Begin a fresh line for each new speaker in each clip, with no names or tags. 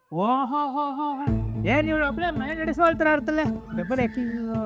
ಓಹೋ ಹೋ ಹೋ ಹೋ. ಏನ್ ಇವ್ರು ಒಬ್ಳೆ ಮನೆ ನಡೆಸೋಳ್ತಾರ ಇರ್ತಲ್ಲ ಪೇಪರ್ ಯಾಕೆ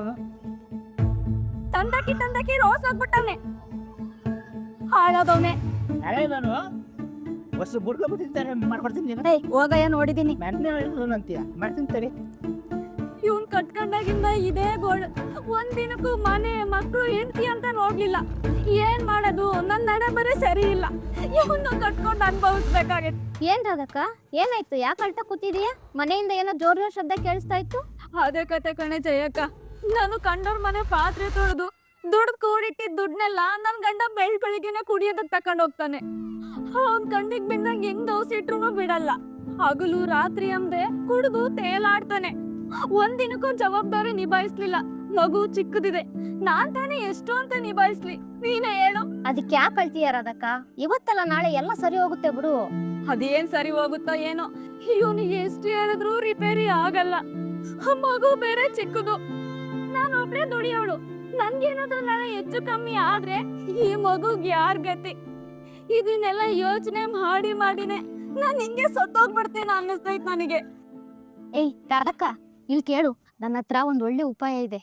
ತಂದಕಿ ರೋಸ್ ಆಗ್ಬಿಟ್ಟವ್ನೆ ಹಾಳಾದವ್ನೆ.
ಹಳೆ ನಾನು ಹೊಸ ಬುಡ್ಕ ಬಿಟ್ಟಿರ್ತಾರೆ ಮಾಡ್ಕೊಡ್ತೀನಿ ನೀನು
ಏಯ್ ಹೋಗಯ್ಯ ನೋಡಿದೀನಿ.
ಮೆನ್ನೆ ಅಂತೀಯ ಮಾಡ್ತೀನಿ ತಡಿ.
ಇವ್ನ್ ಕಟ್ಕೊಂಡಾಗಿಂದ ಇದೇ ಗೋಳು. ಒಂದಿನಕ್ಕೂ ಮನೆ ಮಕ್ಕಳು ಹೆಂಡತಿ ಅಂತ ನೋಡ್ಲಿಲ್ಲ. ಏನ್ ಮಾಡೋದು, ನನ್ ನಡೆ ಬರೀ ಸರಿ ಇಲ್ಲ. ಇವನ್ನ ಕಟ್ಕೊಂಡು ಅನುಭವಿಸ್ಬೇಕಾಗಿತ್ತು.
ಏನ್ ರಾಧಕ್ಕ, ಏನಾಯ್ತು? ಯಾಕೆ ಅಳ್ತಾ ಕೂತಿದೀಯ? ಮನೆಯಿಂದ ಏನೋ ಜೋರ್ ಶಬ್ದ ಕೇಳಿಸ್ತಾ ಇತ್ತು.
ಅದೇ ಕತೆ ಕಣೆ ಜಯಕ್ಕ. ನಾನು ಕಂಡೋರ್ ಮನೆ ಪಾತ್ರೆ ತೊಳೆದು ದುಡ್ಡು ಕೂಡಿಟ್ಟಿದ್ ದುಡ್ನೆಲ್ಲ ನನ್ ಗಂಡ ಬೆಳಿಗ್ಗೆನೆ ಕುಡಿಯೋದಕ್ ತಕೊಂಡ್ ಹೋಗ್ತಾನೆ. ಅವ್ನ್ ಕಣ್ಣಿಗ್ ಬಿಂದಂಗ್ ಹೆಂಗ್ ದೋಸಿಟ್ರು ಬಿಡಲ್ಲ. ಹಗಲು ರಾತ್ರಿ ಅಂದೆ ಕುಡಿದು ತೇಲಾಡ್ತಾನೆ. ಒಂದಿನಕ್ಕೂ ಜವಾಬ್ದಾರಿ ನಿಭಾಯಿಸ್ಲಿಲ್ಲ. ಮಗು ಚಿಕ್ಕದಿದೆ, ನಾನ್ ತಾನೇ ಎಷ್ಟು ಅಂತ ನಿಭಾಯಿಸ್ಲಿ, ನೀನೇ ಹೇಳು.
ಅದಕ್ಕೆ ಯಾಕೆ ಅಳ್ತೀಯ ರಾಧಕ್ಕ? ಇವತ್ತಲ್ಲ ನಾಳೆ ಎಲ್ಲ ಸರಿ ಹೋಗುತ್ತೆ ಬಿಡು.
ಅದೇನ್ ಸರಿ ಹೋಗುತ್ತೋ ಏನೋ, ಇವನಿಗೆ ಎಷ್ಟು ಹೇಳಿದ್ರು ರಿಪೇರಿ ಆಗಲ್ಲ. ಮಗು ಬೇರೆ ಚಿಕ್ಕದು, ನಾನು ಒಬ್ಳೆ ದುಡಿಯೋಳು. ನನ್ಗೇನಾದ್ರೂ ನಾಳೆ ಹೆಚ್ಚು ಕಮ್ಮಿ ಆದ್ರೆ ಈ ಮಗುಗ್ ಯಾರ್ ಗತಿ? ಇದನ್ನೆಲ್ಲ ಯೋಚನೆ ಮಾಡಿನೇ ನಾನ್ ಹಿಂಗೆ ಸತ್ತೋಗ್ಬಿಡ್ತೇನೆ ಅನ್ನಿಸ್ತೈತ್ ನನಗೆ.
ಏಯ್ ರಾಧಕ್ಕ, ಇಲ್ಲಿ ಕೇಳು, ನನ್ನ ಹತ್ರ ಒಂದ್ ಒಳ್ಳೆ ಉಪಾಯ ಇದೆ.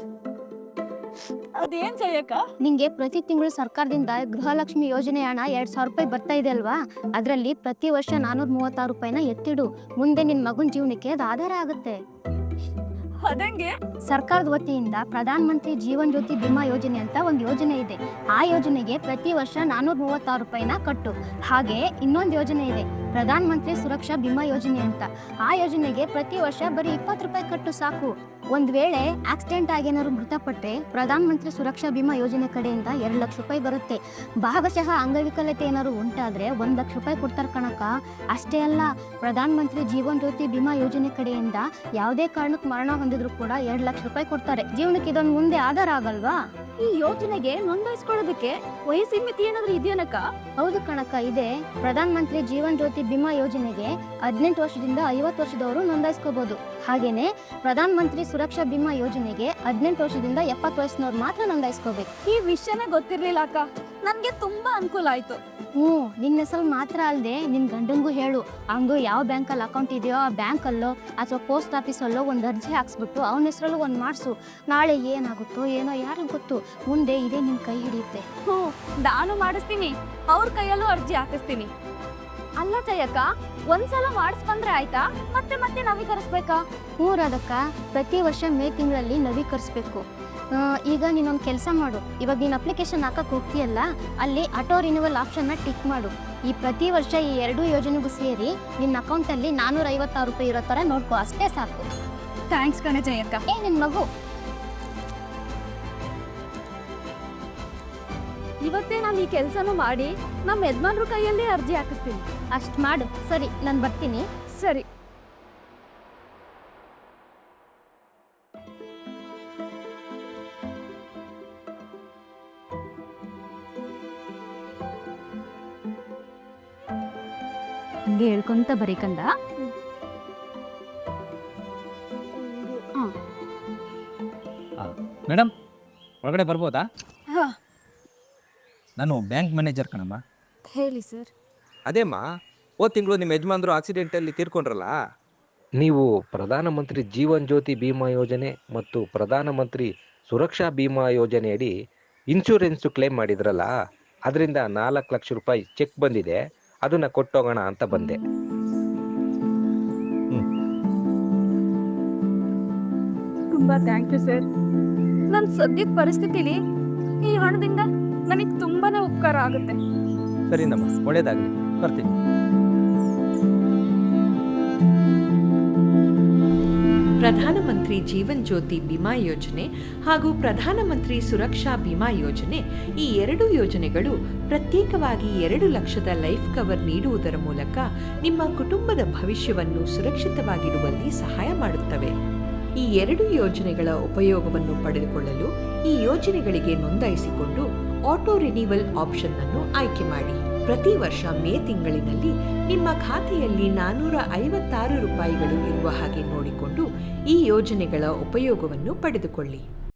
ಅದೇನ್ ಜಯಕ್ಕ?
ನಿಂಗೆ ಪ್ರತಿ ತಿಂಗಳು ಸರ್ಕಾರದಿಂದ ಗೃಹಲಕ್ಷ್ಮಿ ಯೋಜನೆ ಹಣ 2,000 ರೂಪಾಯಿ ಬರ್ತಾ ಇದೆ ಅಲ್ವಾ? ಅದ್ರಲ್ಲಿ ಪ್ರತಿ ವರ್ಷ 436 ರೂಪಾಯಿನ ಎತ್ತಿಡು. ಮುಂದೆ ನಿನ್ ಮಗುನ್ ಜೀವನಕ್ಕೆ ಅದು ಆಧಾರ ಆಗುತ್ತೆ.
ಅದಂಗೆ?
ಸರ್ಕಾರದ ವತಿಯಿಂದ ಪ್ರಧಾನ ಮಂತ್ರಿ ಜೀವನ್ ಜ್ಯೋತಿ ಬಿಮಾ ಯೋಜನೆ ಅಂತ ಒಂದು ಯೋಜನೆ ಇದೆ. ಆ ಯೋಜನೆಗೆ ಪ್ರತಿ ವರ್ಷ 436 ರೂಪಾಯಿನ ಕಟ್ಟು. ಹಾಗೆ ಇನ್ನೊಂದು ಯೋಜನೆ ಇದೆ, ಪ್ರಧಾನ ಮಂತ್ರಿ ಸುರಕ್ಷಾ ಬಿಮಾ ಯೋಜನೆ ಅಂತ. ಆ ಯೋಜನೆಗೆ ಪ್ರತಿ ವರ್ಷ ಬರೀ 20 ರೂಪಾಯಿ ಕಟ್ಟು ಸಾಕು. ಒಂದ್ ವೇಳೆ ಆಕ್ಸಿಡೆಂಟ್ ಆಗಿ ಏನಾದ್ರು ಮೃತಪಟ್ಟರೆ ಪ್ರಧಾನ ಮಂತ್ರಿ ಸುರಕ್ಷಾ ಬಿಮಾ ಯೋಜನೆ ಕಡೆಯಿಂದ 2 ಲಕ್ಷ ರೂಪಾಯಿ ಬರುತ್ತೆ. ಭಾಗಶಃ ಅಂಗವಿಕಲತೆ ಏನಾದ್ರು ಉಂಟಾದ್ರೆ 1 ಲಕ್ಷ ರೂಪಾಯಿ ಕೊಡ್ತಾರೆ ಕಣಕ್ಕ. ಅಷ್ಟೇ ಅಲ್ಲ, ಪ್ರಧಾನ ಮಂತ್ರಿ ಜೀವನ್ ಜ್ಯೋತಿ ಬಿಮಾ ಯೋಜನೆ ಕಡೆಯಿಂದ ಯಾವುದೇ ಕಾರಣಕ್ಕೆ ಮರಣ ಹೊಂದಿದ್ರು ಕೂಡ 2 ಲಕ್ಷ ರೂಪಾಯಿ ಕೊಡ್ತಾರೆ. ಜೀವನಕ್ಕೆ ಇದೊಂದು ಮುಂದೆ ಆಧಾರ ಆಗಲ್ವಾ?
ಈ ಯೋಜನೆಗೆ ನೋಂದಾಯಿಸ್ಕೊಳ್ಳೋದಕ್ಕೆ ವಯಸ್ಸು ಮಿತಿ ಏನಾದ್ರು ಇದೆಯನಕ್ಕ?
ಹೌದು ಕಣಕ್ಕ, ಇದೆ. ಪ್ರಧಾನ ಮಂತ್ರಿ ಜೀವನ್ ಜ್ಯೋತಿ ಬಿಮಾ ಯೋಜನೆಗೆ 18 ವರ್ಷದಿಂದ 50 ವರ್ಷದವರು ನೋಂದಾಯಿಸ್ಕೋಬಹುದು. ಹಾಗೇನೆ ಪ್ರಧಾನ ಮಂತ್ರಿ ಸುರಕ್ಷಾ ಬಿಮಾ ಯೋಜನೆಗೆ 18 ವರ್ಷದಿಂದ 70 ವಯಸ್ಸಿನವ್ರು ಮಾತ್ರ ನೋಂದಾಯಿಸ್ಕೋಬೇಕು.
ಈ ವಿಷಯನೇ ಗೊತ್ತಿರ್ಲಿಲ್ಲ ಅಕ್ಕ, ನನ್ಗೆ ತುಂಬಾ ಅನುಕೂಲ ಆಯ್ತು.
ನಿನ್ನ ಹೆಸರು ಮಾತ್ರ ಅಲ್ಲದೆ ನಿನ್ ಗಂಡಂಗೂ ಹೇಳು. ಹಂಗು ಯಾವ ಬ್ಯಾಂಕಲ್ಲಿ ಅಕೌಂಟ್ ಇದೆಯೋ ಆ ಬ್ಯಾಂಕಲ್ಲೋ ಅಥವಾ ಪೋಸ್ಟ್ ಆಫೀಸಲ್ಲೋ ಒಂದು ಅರ್ಜಿ ಹಾಕ್ಸ್ಬಿಟ್ಟು ಅವನ ಹೆಸರಲ್ಲೂ ಒಂದು ಮಾಡಿಸು. ನಾಳೆ ಏನಾಗುತ್ತೋ ಏನೋ ಯಾರಿಗೂ ಗೊತ್ತು, ಮುಂದೆ ಇದೇ ನಿನ್ ಕೈ ಹಿಡಿಯುತ್ತೆ.
ನಾನು ಮಾಡಿಸ್ತೀನಿ, ಅವ್ರ ಕೈಯಲ್ಲೂ ಅರ್ಜಿ ಹಾಕಿಸ್ತೀನಿ. ಅಲ್ಲ ಜಯಕ್ಕ, ಒಂದ್ಸಲ ಮಾಡಿಸ್ಬಂದ್ರೆ ಆಯ್ತಾ, ಮತ್ತೆ ಮತ್ತೆ ನವೀಕರಿಸ್ಬೇಕಾ?
ರಾಧಕ್ಕ, ಪ್ರತಿ ವರ್ಷ ಮೇ ತಿಂಗಳಲ್ಲಿ ನವೀಕರಿಸ್ಬೇಕು. ಈಗ ನೀನೊಂದು ಕೆಲಸ ಮಾಡು. ಇವಾಗ ನೀನು ಅಪ್ಲಿಕೇಶನ್ ಹಾಕಕ್ಕೆ ಹೋಗ್ತೀಯಲ್ಲ, ಅಲ್ಲಿ ಆಟೋ ರಿನ್ಯೂವಲ್ ಆಪ್ಷನ್ನ ಟಿಕ್ ಮಾಡು. ಈ ಪ್ರತಿ ವರ್ಷ ಈ 2 ಯೋಜನೆಗೂ ಸೇರಿ ನಿನ್ನ ಅಕೌಂಟಲ್ಲಿ 456 ರೂಪಾಯಿ ಇರೋ ಥರ ನೋಡ್ಕೋ, ಅಷ್ಟೇ ಸಾಕು.
ಥ್ಯಾಂಕ್ಸ್ ಕಣೆ ಜಯಕ್ಕ.
ನಿನ್ನ ಮಗು
ಇವತ್ತೇ ನಾನು ಈ ಕೆಲಸನೂ ಮಾಡಿ ನಮ್ಮ ಯಜಮಾನ್ರ ಕೈಯಲ್ಲಿ ಅರ್ಜಿ ಹಾಕಿಸ್ತೀನಿ.
ಅಷ್ಟು ಮಾಡು. ಸರಿ, ನಾನು ಬರ್ತೀನಿ.
ಸರಿ. ಹಂಗೆ ಹೇಳ್ಕೊಂತ ಬರೀಕಂದ.
ಮೇಡಮ್, ಒಳಗಡೆ ಬರ್ಬೋದಾ?
ಹಾ,
ನಾನು ಬ್ಯಾಂಕ್ ಮ್ಯಾನೇಜರ್ ಕಣಮ್ಮ.
ಹೇಳಿ ಸರ್.
ಅದೇಮ್ಮ, ಹೋದ ತಿಂಗಳು ನಿಮ್ಮ ಯಜಮಾನ್ರು ಆಕ್ಸಿಡೆಂಟಲ್ಲಿ ತೀರ್ಕೊಂಡ್ರಲ್ಲ?
ನೀವು ಪ್ರಧಾನಮಂತ್ರಿ ಜೀವನ್ ಜ್ಯೋತಿ ಬಿಮಾ ಯೋಜನೆ ಮತ್ತು ಪ್ರಧಾನಮಂತ್ರಿ ಸುರಕ್ಷಾ ಬಿಮಾ ಯೋಜನೆಯಡಿ ಇನ್ಶೂರೆನ್ಸು ಕ್ಲೇಮ್ ಮಾಡಿದ್ರಲ್ಲ, ಅದರಿಂದ 4 ಲಕ್ಷ ರೂಪಾಯಿ ಚೆಕ್ ಬಂದಿದೆ. ಅದನ್ನ ಕೊಟ್ಟೋಗೋಣ ಅಂತ ಬಂದೆ.
ತುಂಬಾ ಥ್ಯಾಂಕ್ ಯು ಸರ್. ನನ್ನ ಸದ್ಯದ ಪರಿಸ್ಥಿತಿಲಿ ಈ ಹಣದಿಂದ ನನಗೆ ತುಂಬಾನೇ ಉಪಕಾರ ಆಗುತ್ತೆ.
ಸರಿನಮ್ಮ, ಒಳ್ಳೇದಾಗಲಿ, ಬರ್ತೀನಿ.
ಪ್ರಧಾನಮಂತ್ರಿ ಜೀವನ್ ಜ್ಯೋತಿ ಬಿಮಾ ಯೋಜನೆ ಹಾಗೂ ಪ್ರಧಾನಮಂತ್ರಿ ಸುರಕ್ಷಾ ಬಿಮಾ ಯೋಜನೆ, ಈ 2 ಯೋಜನೆಗಳು ಪ್ರತ್ಯೇಕವಾಗಿ 2 ಲಕ್ಷದ ಲೈಫ್ ಕವರ್ ನೀಡುವುದರ ಮೂಲಕ ನಿಮ್ಮ ಕುಟುಂಬದ ಭವಿಷ್ಯವನ್ನು ಸುರಕ್ಷಿತವಾಗಿಡುವಲ್ಲಿ ಸಹಾಯ ಮಾಡುತ್ತವೆ. ಈ 2 ಯೋಜನೆಗಳ ಉಪಯೋಗವನ್ನು ಪಡೆದುಕೊಳ್ಳಲು ಈ ಯೋಜನೆಗಳಿಗೆ ನೋಂದಾಯಿಸಿಕೊಂಡು ಆಟೋ ರಿನ್ಯೂವಲ್ ಆಪ್ಷನ್ ಅನ್ನು ಆಯ್ಕೆ ಮಾಡಿ. ಪ್ರತಿ ವರ್ಷ ಮೇ ತಿಂಗಳಿನಲ್ಲಿ ನಿಮ್ಮ ಖಾತೆಯಲ್ಲಿ 456 ರೂಪಾಯಿಗಳು ಇರುವ ಹಾಗೆ ನೋಡಿಕೊಂಡು ಈ ಯೋಜನೆಗಳ ಉಪಯೋಗವನ್ನು ಪಡೆದುಕೊಳ್ಳಿ.